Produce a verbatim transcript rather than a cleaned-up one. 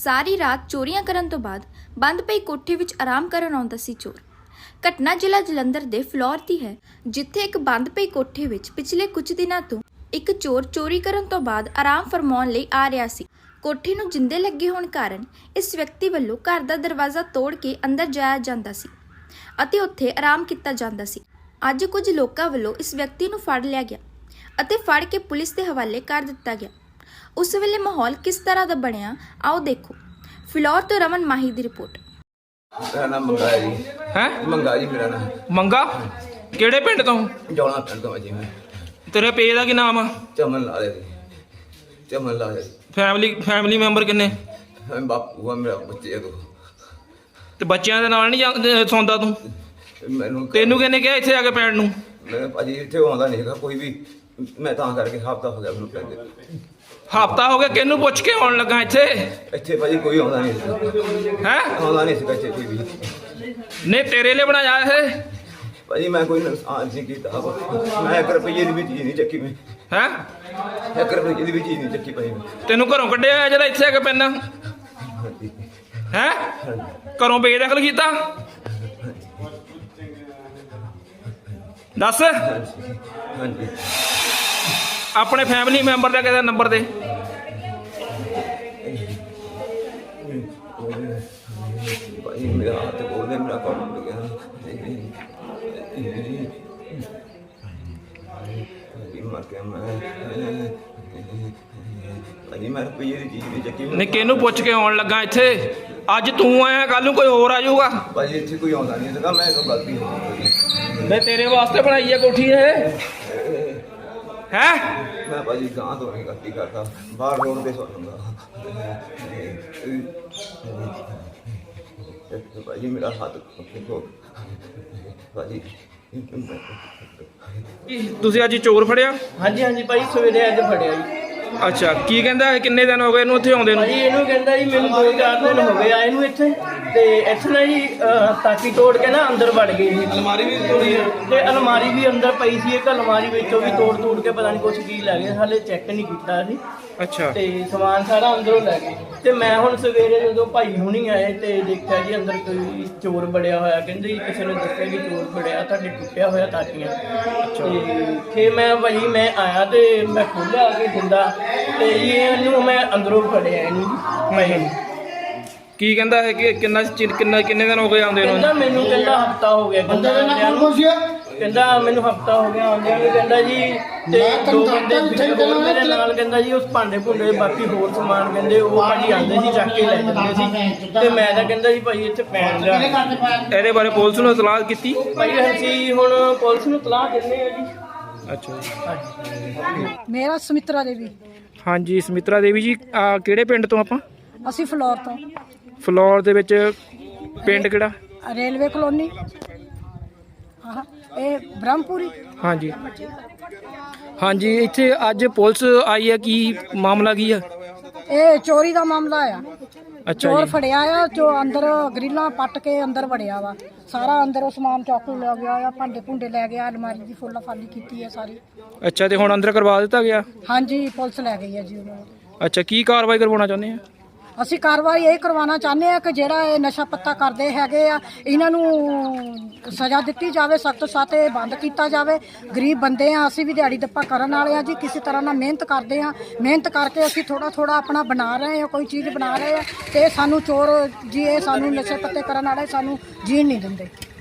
ਸਾਰੀ ਰਾਤ ਚੋਰੀਆਂ ਕਰਨ ਤੋਂ ਬਾਅਦ ਬੰਦ ਪਈ ਕੋਠੀ ਵਿੱਚ ਆਰਾਮ ਕਰਨ ਆਉਂਦਾ ਸੀ ਚੋਰ। ਘਟਨਾ ਜ਼ਿਲ੍ਹਾ ਜਲੰਧਰ ਦੇ ਫਲੋਰ ਦੀ ਹੈ, ਜਿੱਥੇ ਇੱਕ ਬੰਦ ਪਈ ਕੋਠੀ ਵਿੱਚ ਪਿਛਲੇ ਕੁਝ ਦਿਨਾਂ ਤੋਂ ਇੱਕ ਚੋਰ ਚੋਰੀ ਕਰਨ ਤੋਂ ਬਾਅਦ ਆਰਾਮ ਫਰਮਾਉਣ ਲਈ ਆ ਰਿਹਾ ਸੀ। ਕੋਠੀ ਨੂੰ ਜਿੰਦੇ ਲੱਗੇ ਹੋਣ ਕਾਰਨ ਇਸ ਵਿਅਕਤੀ ਵੱਲੋਂ ਘਰ ਦਾ ਦਰਵਾਜ਼ਾ ਤੋੜ ਕੇ ਅੰਦਰ ਜਾਇਆ ਜਾਂਦਾ ਸੀ ਅਤੇ ਉੱਥੇ ਆਰਾਮ ਕੀਤਾ ਜਾਂਦਾ ਸੀ। ਅੱਜ ਕੁਝ ਲੋਕਾਂ ਵੱਲੋਂ ਇਸ ਵਿਅਕਤੀ ਨੂੰ ਫੜ ਲਿਆ ਗਿਆ ਅਤੇ ਫੜ ਕੇ ਪੁਲਿਸ ਦੇ ਹਵਾਲੇ ਕਰ ਦਿੱਤਾ ਗਿਆ। ਉਸ ਵੇਲੇ ਮਾਹੌਲ ਕਿਸ ਤਰ੍ਹਾਂ ਦਾ ਬਣਿਆ, ਆਓ ਦੇਖੋ। ਫਿਲੌਰ ਤੋਂ ਰਮਨ ਮਾਹੀ ਦੀ ਰਿਪੋਰਟ। ਮੇਰਾ ਨਾਮ ਮੰਗਾ ਹੈ ਜੀ। ਹੈ ਮੰਗਾ ਜੀ ਮੇਰਾ ਨਾਮ। ਮੰਗਾ ਕਿਹੜੇ ਪਿੰਡ ਤੋਂ? ਜੌਲਾ ਪਿੰਡ ਤੋਂ ਜੀ ਮੈਂ। ਤੇਰੇ ਪੇ ਦਾ ਕੀ ਨਾਮ ਆ? ਚਮਨ ਲਾ ਦੇ ਚਮਨ ਲਾ ਦੇ। ਫੈਮਿਲੀ ਫੈਮਿਲੀ ਮੈਂਬਰ ਕਿੰਨੇ? ਮੈਂ ਬਾਪੂ ਆ, ਮੇਰਾ ਬੱਚੇ ਦੋ। ਤੇ ਬੱਚਿਆਂ ਦੇ ਨਾਲ ਨਹੀਂ ਸੌਂਦਾ ਤੂੰ? ਮੈਨੂੰ ਤੈਨੂੰ ਕਿਹਨੇ ਕਿਹਾ ਇੱਥੇ ਆ ਕੇ ਪੈਣ ਨੂੰ? ਮੈਂ ਭਾਜੀ ਇੱਥੇ ਆਉਂਦਾ ਨਹੀਂ ਹੈਗਾ ਕੋਈ ਵੀ, ਮੈਂ ਤਾਂ ਕਰਕੇ ਹਫ਼ਤਾ ਹੋ ਗਿਆ ਮੈਨੂੰ ਪੈਂਦੇ। ਹਫਤਾ ਹੋ ਗਿਆ, ਕਿਹਨੂੰ ਪੁੱਛ ਕੇ ਆਉਣ ਲੱਗਾ ਇੱਥੇ? ਇੱਥੇ ਭਾਜੀ ਕੋਈ ਆਉਂਦਾ ਨਹੀਂ ਸੀ। ਹੈ ਆਉਂਦਾ ਨਹੀਂ ਸੀਗਾ ਇੱਥੇ ਕੋਈ ਵੀ। ਨਹੀਂ ਤੇਰੇ ਲਈ ਬਣਾਇਆ ਇਹ? ਭਾਜੀ ਮੈਂ ਕੋਈ ਨੁਕਸਾਨ ਨਹੀਂ ਕੀਤਾ, ਮੈਂ ਇੱਕ ਰੁਪਈਏ ਦੀ ਵੀ ਚੀਜ਼ ਨਹੀਂ ਚੱਕੀ। ਮੈਂ ਹੈ ਇੱਕ ਰੁਪਈਏ ਦੀ ਵੀ ਚੀਜ਼ ਨਹੀਂ ਚੱਕੀ ਭਾਜੀ। ਤੈਨੂੰ ਘਰੋਂ ਕੱਢਿਆ ਹੋਇਆ ਜਿਹੜਾ ਇੱਥੇ ਆ ਕੇ ਪੈਣਾ? ਹੈ ਘਰੋਂ ਬੇਦਖਲ ਕੀਤਾ? ਦੱਸ। ਹਾਂਜੀ ਆਪਣੇ ਫੈਮਿਲੀ ਮੈਂਬਰ ਦਾ ਕਿਹਦਾ ਨੰਬਰ ਦੇ? ਭਾਜੀ ਮੇਰਾ ਹੱਥ ਬੋਲਦੇ, ਮੇਰਾ ਕੰਮ ਹੋ ਗਿਆ। ਮਰ ਗਿਆ ਮੈਂ ਭਾਜੀ, ਮੈਂ ਰੁਪਈਏ ਦੀ ਚੀਜ਼ ਨਹੀਂ ਚੱਕੀ। ਨਹੀਂ ਕਿਹਨੂੰ ਪੁੱਛ ਕੇ ਆਉਣ ਲੱਗਾ ਇੱਥੇ? ਅੱਜ ਤੂੰ ਆਇਆ, ਕੱਲ ਨੂੰ ਕੋਈ ਹੋਰ ਆ ਜਾਊਗਾ। ਭਾਜੀ ਇੱਥੇ ਕੋਈ ਆਉਂਦਾ ਨਹੀਂ ਸੀਗਾ, ਮੈਂ ਕੋਈ ਗਲਤੀ ਹੋ ਗਈ। ਮੈਂ ਤੇਰੇ ਵਾਸਤੇ ਬਣਾਈ ਹੈ ਕੋਠੀ ਇਹ। ਹੈ ਮੈਂ ਭਾਜੀ ਗਾਂ ਤੋਂ ਨਹੀਂ ਗਲਤੀ ਕਰਦਾ, ਬਾਹਰ ਰੋਡ ਤੇ ਸੌ ਜਾਂਦਾ। ਭਾਜੀ ਮੇਰਾ ਹੱਥ ਦੇਖੋ ਭਾਜੀ। ਤੁਸੀਂ ਅੱਜ ਚੋਰ ਫੜਿਆ? ਹਾਂਜੀ ਹਾਂਜੀ ਭਾਈ, ਸਵੇਰੇ ਅੱਜ ਫੜਿਆ ਜੀ। ਅੱਛਾ, ਕੀ ਕਹਿੰਦਾ ਹੈ? ਕਿੰਨੇ ਦਿਨ ਹੋ ਗਏ ਇਹਨੂੰ ਇੱਥੇ ਆਉਂਦੇ ਨੂੰ? ਭਾਜੀ ਇਹਨੂੰ ਕਹਿੰਦਾ ਜੀ ਮੈਨੂੰ ਦੋ ਚਾਰ ਦਿਨ ਹੋ ਗਏ ਆਏ ਨੂੰ ਇੱਥੇ, ਤੇ ਇੱਥੇ ਨਾ ਜੀ ਅਹ, ਤਾਕੀ ਤੋੜ ਕੇ ਨਾ ਅੰਦਰ ਵੜ ਗਏ ਸੀ। ਅਲਮਾਰੀ ਵੀ ਤੋੜੀ ਤੇ ਅਲਮਾਰੀ ਵੀ ਅੰਦਰ ਪਈ ਸੀ, ਇੱਕ ਅਲਮਾਰੀ ਵਿੱਚੋਂ ਵੀ ਤੋੜ ਤੋੜ ਕੇ ਪਤਾ ਨਹੀਂ ਕੁਛ ਕੀ ਲੈ ਗਏ, ਹਾਲੇ ਚੈੱਕ ਨਹੀਂ ਕੀਤਾ ਅਸੀਂ। ਅੱਛਾ, ਤੇ ਸਮਾਨ ਸਾਰਾ ਅੰਦਰੋਂ ਲੈ ਗਏ। ਤੇ ਮੈਂ ਹੁਣ ਸਵੇਰੇ ਜਦੋਂ ਭਾਈ ਹੁਣੀ ਆਏ ਤੇ ਦੇਖਿਆ ਜੀ ਅੰਦਰ ਕੋਈ ਚੋਰ ਬੜਿਆ ਹੋਇਆ। ਕਹਿੰਦੇ ਜੀ ਕਿਸੇ ਨੇ ਦੱਸਿਆ ਕਿ ਚੋਰ ਬੜਿਆ, ਤੁਹਾਡੇ ਟੁੱਟਿਆ ਹੋਇਆ ਤਾਕੀਆਂ। ਤੇ ਫਿਰ ਮੈਂ ਭਾਈ ਮੈਂ ਆਇਆ ਤੇ ਮੈਂ ਖੋਲ੍ਹਿਆ ਕੇ ਜਿੰਦਾ, ਤੇ ਜੀ ਇਹਨੂੰ ਮੈਂ ਅੰਦਰੋਂ ਫੜਿਆ ਇਹਨੂੰ ਮੈਂ। ਕੀ ਕਹਿੰਦਾ ਹੈ ਕਿ ਕਿੰਨਾ ਚਿਰ ਕਿੰਨਾ ਕਿੰਨੇ ਦਿਨ ਹੋ ਗਏ ਆਉਂਦੇ ਨੂੰ? ਕਹਿੰਦਾ ਮੈਨੂੰ ਕਹਿੰਦਾ ਹਫਤਾ ਹੋ ਗਿਆ, ਕਹਿੰਦਾ ਆਉਂਦਿਆਂ ਨੂੰ। ਕਹਿੰਦਾ ਮੈਨੂੰ ਹਫਤਾ ਹੋ ਗਿਆ ਆਉਂਦਿਆਂ ਨੂੰ। ਕਹਿੰਦਾ ਜੀ ਤੇ ਦੋ ਬੰਦੇ ਹੋਰ ਮੇਰੇ ਨਾਲ, ਕਹਿੰਦਾ ਜੀ ਉਸ ਭਾਂਡੇ ਭੁੰਡੇ ਬਾਕੀ ਹੋਰ ਸਮਾਨ ਕਹਿੰਦੇ ਉਹ ਭਾਜੀ ਆਉਂਦੇ ਸੀ ਚੱਕ ਕੇ ਲੈ ਜਾਂਦੇ ਸੀ। ਤੇ ਮੈਂ ਤਾਂ ਕਹਿੰਦਾ ਜੀ ਭਾਈ ਇੱਥੇ ਪੈਣ ਜਾ। ਇਹਦੇ ਬਾਰੇ ਪੁਲਿਸ ਨੂੰ ਇਤਲਾਹ ਕੀਤੀ? ਭਾਈ ਅਸੀਂ ਹੁਣ ਪੁਲਿਸ ਨੂੰ ਇਤਲਾਹ ਦਿੰਦੇ ਆ ਜੀ। ਅੱਛਾ ਹਾਂਜੀ ਮੇਰਾ ਸਮਿਤਰਾ ਦੇਵੀ। ਹਾਂਜੀ, ਸਮਿਤਰਾ ਦੇਵੀ ਜੀ, ਆ ਕਿਹੜੇ ਪਿੰਡ ਤੋਂ ਆਪਾਂ? ਅਸੀਂ ਫਲੋਰ ਤੋਂ। ਫਲੋਰ ਦੇ ਵਿੱਚ ਪਿੰਡ ਕਿਹੜਾ? Railway colony. ਹਾਂ, ਇਹ ਬ੍ਰਹਮਪੁਰੀ। ਹਾਂਜੀ ਹਾਂਜੀ, ਇੱਥੇ ਅੱਜ ਪੁਲਿਸ ਆਈ ਹੈ, ਕੀ ਮਾਮਲਾ ਕੀ ਆ? ਇਹ ਚੋਰੀ ਦਾ ਮਾਮਲਾ ਆ। ਅੱਛਾ ਚੋਰ ਜੀ, ਫੜਿਆ ਆ, ਜੋ ਅੰਦਰ ਗਰਿੱਲਾਂ ਪੱਟ ਕੇ ਅੰਦਰ ਵੜਿਆ ਵਾ। ਸਾਰਾ ਅੰਦਰੋਂ ਸਮਾਨ ਚਾਕੂ ਲੈ ਗਿਆ ਆ, ਭਾਂਡੇ ਭੁੰਡੇ ਲੈ ਗਿਆ, ਅਲਮਾਰੀ ਦੀ ਫੁੱਲਾ ਫਾਲੀ ਕੀਤੀ ਹੈ ਸਾਰੀ। ਅੱਛਾ, ਤੇ ਹੁਣ ਅੰਦਰ ਕਰਵਾ ਦਿੱਤਾ ਗਿਆ? ਹਾਂਜੀ, ਪੁਲਿਸ ਲੈ ਗਈ ਹੈ ਜੀ ਉਹਨਾਂ ਨੂੰ। ਅੱਛਾ, ਕੀ ਕਾਰਵਾਈ ਕਰਵਾਉਣਾ ਚਾਹੁੰਦੇ ਆ? ਅਸੀਂ ਕਾਰਵਾਈ ਇਹ ਕਰਵਾਉਣਾ ਚਾਹੁੰਦੇ ਆ ਕਿ ਜਿਹੜਾ ਇਹ ਨਸ਼ਾ ਪੱਤਾ ਕਰਦੇ ਹੈਗੇ ਆ, ਇਹਨਾਂ ਨੂੰ ਸਜ਼ਾ ਦਿੱਤੀ ਜਾਵੇ, ਸਖਤ ਸਖਤ ਇਹ ਬੰਦ ਕੀਤਾ ਜਾਵੇ। ਗਰੀਬ ਬੰਦੇ ਆ ਅਸੀਂ, ਵੀ ਦਿਹਾੜੀ ਦੱਪਾ ਕਰਨ ਵਾਲੇ ਆ ਜੀ, ਕਿਸੇ ਤਰ੍ਹਾਂ ਨਾਲ ਮਿਹਨਤ ਕਰਦੇ ਆ। ਮਿਹਨਤ ਕਰਕੇ ਅਸੀਂ ਥੋੜਾ ਥੋੜਾ ਆਪਣਾ ਬਣਾ ਰਹੇ ਆ, ਕੋਈ ਚੀਜ਼ ਬਣਾ ਰਹੇ ਆ, ਤੇ ਸਾਨੂੰ ਚੋਰ ਜੀ ਇਹ ਸਾਨੂੰ ਨਸ਼ੇ ਪੱਤੇ ਕਰਨ ਵਾਲੇ ਸਾਨੂੰ ਜੀਣ ਨਹੀਂ ਦਿੰਦੇ।